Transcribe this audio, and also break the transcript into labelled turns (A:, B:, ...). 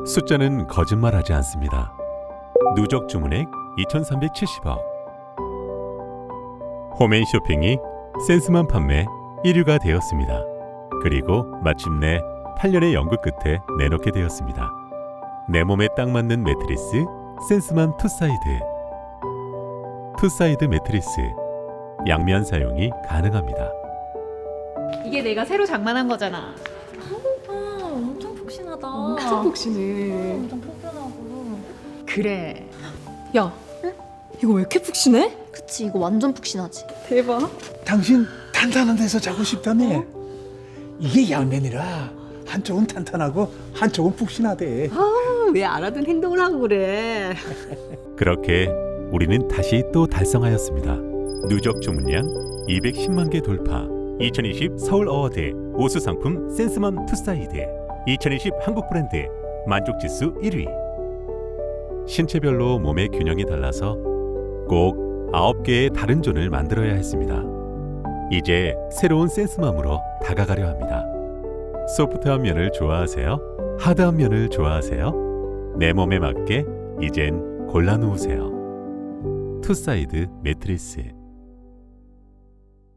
A: 숫자는 거짓말하지 않습니다. 누적 주문액 2,370억. 홈앤쇼핑이 센스맘 판매 1위가 되었습니다. 그리고 마침내 8년의 연구 끝에 내놓게 되었습니다. 내 몸에 딱 맞는 매트리스 센스맘 투사이드. 투사이드 매트리스. 양면 사용이 가능합니다.
B: 이게 내가 새로 장만한 거잖아.
C: 엄청 푹신하다.
D: 엄청 푹신해.
C: 엄청 푹신하고.
B: 그래.
C: 야, 이거 왜 이렇게 푹신해?
E: 그치, 이거 완전 푹신하지.
D: 대박.
F: 당신 탄탄한 데서 자고 싶다며. 이게 양면이라 한쪽은 탄탄하고 한쪽은 푹신하대.
D: 왜 알아둔 행동을 하고 그래?
A: 그렇게 우리는 다시 또 달성하였습니다. 누적 주문량 210만 개 돌파. 2020 서울 어워드 우수 상품 센스맘 투사이드. 2020 한국 브랜드 만족지수 1위. 신체별로 몸의 균형이 달라서 꼭 9개의 다른 존을 만들어야 했습니다. 이제 새로운 센스맘으로 다가가려 합니다. 소프트한 면을 좋아하세요? 하드한 면을 좋아하세요? 내 몸에 맞게 이젠 골라 놓으세요. 투사이드 매트리스.